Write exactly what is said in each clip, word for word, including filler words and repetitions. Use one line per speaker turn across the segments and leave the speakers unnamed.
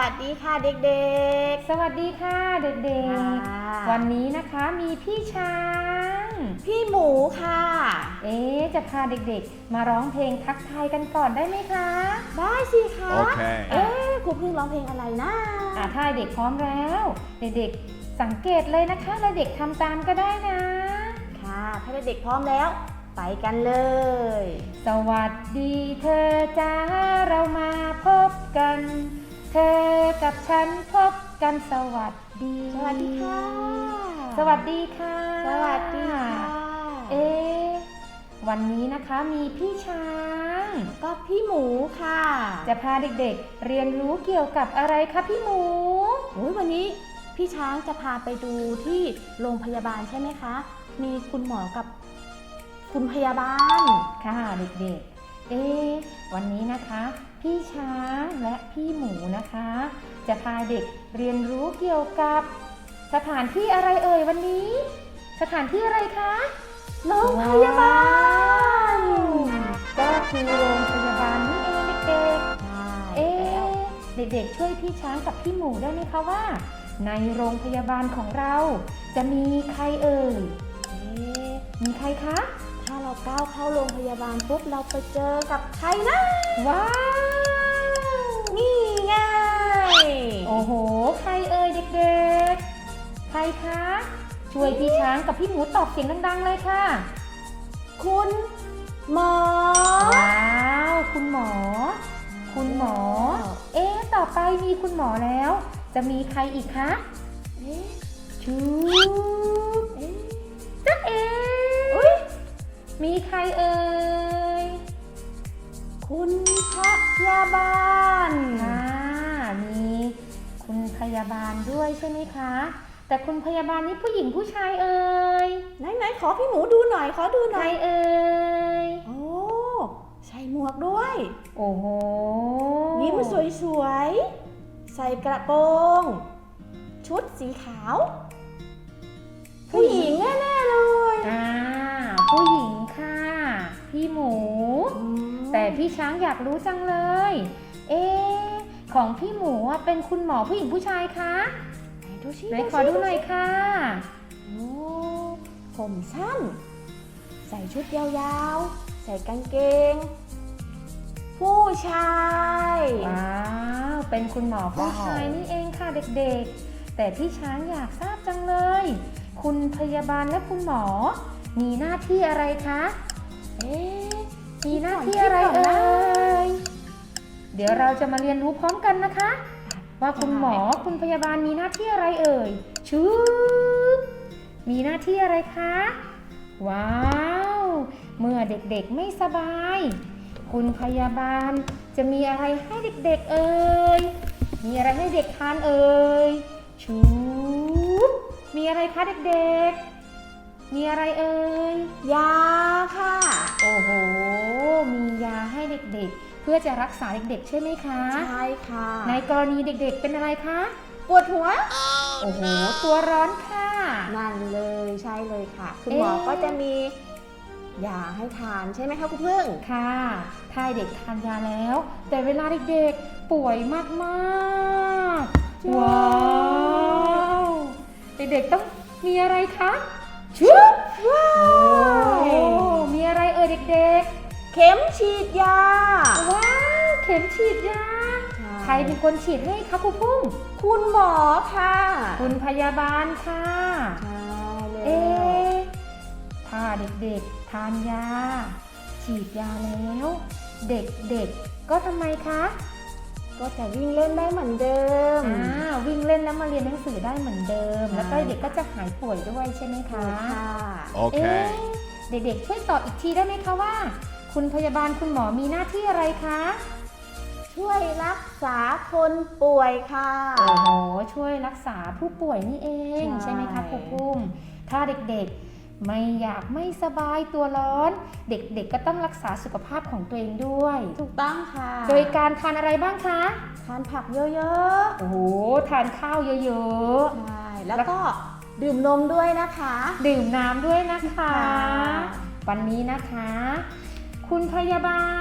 วัสดีค่ะเด็ก
ๆสวัสดีค่ะเด็กๆวันนี้นะคะมีพี่ช้าง
พี่หมูค่ะ
เอ๊ะจะพาเด็กๆมาร้องเพลงทักทายกันก่อนได้ไหมคะ
ได้สิคะ
โอเค
เอ๊ะครูพึ่งร้องเพลงอะไรนะ
อ่ะถ้าเด็กพร้อมแล้วเด็กๆสังเกตเลยนะคะแล้วเด็กทำตามก็ได้นะ
ค่ะถ้าเด็กพร้อมแล้วไปกันเลย
สวัสดีเธอจ้าเรามาพบกันเธอกับฉันพบกันสวัสดี
สวัสดีค่ะ
สวัสดีค่ะ
สวัสดีค่ะ
เอ๊ะวันนี้นะคะมีพี่ช้าง
ก็พี่หมูค่ะ
จะพาเด็กๆเรียนรู้เกี่ยวกับอะไรคะพี่หมู
โอ้ยวันนี้พี่ช้างจะพาไปดูที่โรงพยาบาลใช่ไหมคะมีคุณหมอกับคุณพยาบาล
ค่ะเด็กๆเอ๊ะวันนี้นะคะพี่ช้างและพี่หมูนะคะจะพาเด็กเรียนรู้เกี่ยวกับสถานที่อะไรเอ่ยวันนี้สถานที่อะไรคะ
โรงพยาบาล
ก็คือโรงพยาบาลนี่เองเด็กๆเอ๊ะเด็กๆช่วยพี่ช้างกับพี่หมูได้ไหมคะว่าในโรงพยาบาลของเราจะมีใครเอ่ยเอ๊ะมีใครคะ
ถ้าเราก้าวเข้าโรงพยาบาลปุ๊บเราไปเจอกับใครนะ
ว้าว
นี่ไง
โอ้โหใครเอ่ยเด็กๆใครคะช่วยพี่ช้างกับพี่หมูตอบเสียงดังๆเลยค่ะ
คุณหมอ
ว้าวคุณหมอคุณหมอเอ๊ะต่อไปมีคุณหมอแล้วจะมีใครอีกคะ
เอ๊ะ
ชูเอ๊ะจ๊ะเอ๊ะมีใครเอ่ย
คุณพยาบาล
ค่ะมีคุณพยาบาลด้วยใช่ไหมคะแต่คุณพยาบาลนี่ผู้หญิงผู้ชายเอ่ย
ไหนๆขอพี่หมูดูหน่อยขอดูหน่อย
ใครเอ่ย
โอ้ใส่หมวกด้วย
โอ้โห
ยิ้มสวยๆใส่กระโปรงชุดสีขาวผู้หญิงแน่ๆเลย
อ่าผู้หญิงค่ะพี่หมูแต่พี่ช้างอยากรู้จังเลยเอ๊ะของพี่หมูเป็นคุณหมอผู้หญิงผู้ชายคะ
ดูสิ
ไหนขอดูหน่อยค่ะ
โอ้ผมสั้นใส่ชุดยาวๆใส่กางเกงผู้ชาย
ว้าวเป็นคุณหมอผู้ชายนี่เองค่ะเด็กๆแต่พี่ช้างอยากทราบจังเลยคุณพยาบาลและคุณหมอมีหน้าที่อะไรคะ
เอ๊ะ
มีหน้าที่อะไรเอ่ยเดี๋ยวเราจะมาเรียนรู้พร้อมกันนะคะว่าคุณหมอคุณพยาบาลมีหน้าที่อะไรเอ่ยชูมีหน้าที่อะไรคะว้าวเมื่อเด็กๆไม่สบายคุณพยาบาลจะมีอะไรให้เด็กๆเอ่ยมีอะไรให้เด็กทานเอ่ยชูมีอะไรคะเด็กๆมีอะไรเอ่ย
ยาค่ะ
โอ้โหมียาให้เด็กๆเพื่อจะรักษาเด็กๆใช่ไหมคะ
ใช่ค่ะ
ในกรณีเด็กๆเป็นอะไรคะ
ปวดหัว
โอ้โหตัวร้อนค่ะ
นั่นเลยใช่เลยค่ะคุณหมอก็จะมียาให้ทานใช่ไหมคะคุณพึ่ง
ค่ะถ้าเด็กทานยาแล้วแต่เวลาเด็กๆป่วยมากๆว้าวเด็กๆต้องมีอะไรคะชุบว้าวมีอะไรเอ่ยเด็ก
ๆเข็มฉีดยา
ว้าวเข็มฉีดยาใครเป็นคนฉีดให้คะครูพุ่ง
คุณหมอค่ะ
คุณพยาบาลค่ะ
ใช่เลย
เอ๊ะถ้าเด็กๆทานยาฉีดยาแล้วเด็กๆก็ทำไมคะ
ก็จะวิ่งเล่นได้เหมือนเดิม
อ่าวิ่งเล่นแล้วมาเรียนหนังสือได้เหมือนเดิมแล้วก็เด็กก็จะหายป่วยด้วยใช่ไหมคะ
ค่ะ
โอเค
เด็กๆช่วยตอบอีกทีได้ไหมคะว่าคุณพยาบาลคุณหมอมีหน้าที่อะไรคะ
ช่วยรักษาคนป่วยค่ะ
โอ้โหช่วยรักษาผู้ป่วยนี่เองใช่ไหมคะครูปุ้มถ้าเด็กๆไม่อยากไม่สบายตัวร้อนเด็กๆก็ต้องรักษาสุขภาพของตัวเองด้วย
ถูกต้องค่ะ
โดยการทานอะไรบ้างคะ
ทานผักเยอะ
ๆโอ้โหทานข้าวเยอะ
ๆใช่แล้วก็ดื่มนมด้วยนะคะ
ดื่มน้ำด้วยนะคะวันนี้นะคะคุณพยาบาล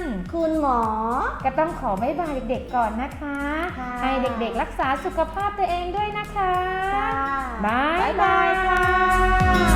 คุณหมอ
ก็ต้องขอบ๊ายบายเด็กๆก่อนนะคะ
ค่ะ
ให้เด็กๆรักษาสุขภาพตัวเองด้วยนะคะ
ค่ะ
บ๊าย
บ๊าย
บา
บาย ยค่ะ